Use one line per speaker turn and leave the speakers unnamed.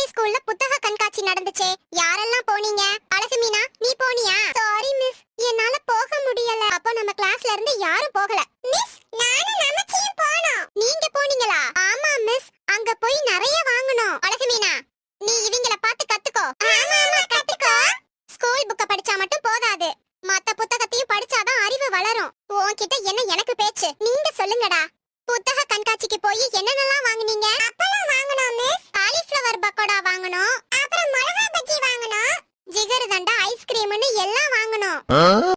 ஸ்கூல்ல புத்தக கண்காட்சி நடந்துச்சே, யாரெல்லாம் போனீங்க? அழகு மீனா, நீ போனியா? சாரி மிஸ், என்னால போக முடியல. அப்ப நம்ம கிளாஸ்ல இருந்து யாரும் போகல. மிஸ், நானும் நமச்சியும் போனோம். நீங்க போனீங்களா? ஆமா மிஸ், அங்க போய் நிறைய வாங்கணும். அழகு மீனா, நீ இவங்கள பார்த்து கத்துக்கோ. ஆமா ஆமா, கத்துக்கோ. ஸ்கூல் புக்க படிச்சா மட்டும் போதாது, மத்த புத்தகத்தையும் படிச்சாதான் அறிவு வளரும். உன்கிட்ட என்ன எனக்கு பேச்சு? நீங்க சொல்லுங்கடா. புத்தக கண்காட்சிக்கு போய் என்னென்னலாம் வாங்குனீங்க? அப்பளம் வாங்குனோம் மிஸ், காலிஃப்ளவர் பக்கோடா வாங்குனோம், அப்புறம் மிளகா பஜ்ஜி வாங்குனோம், ஜிகர்தண்டா ஐஸ்கிரீம்னு எல்லாம் வாங்குனோம்.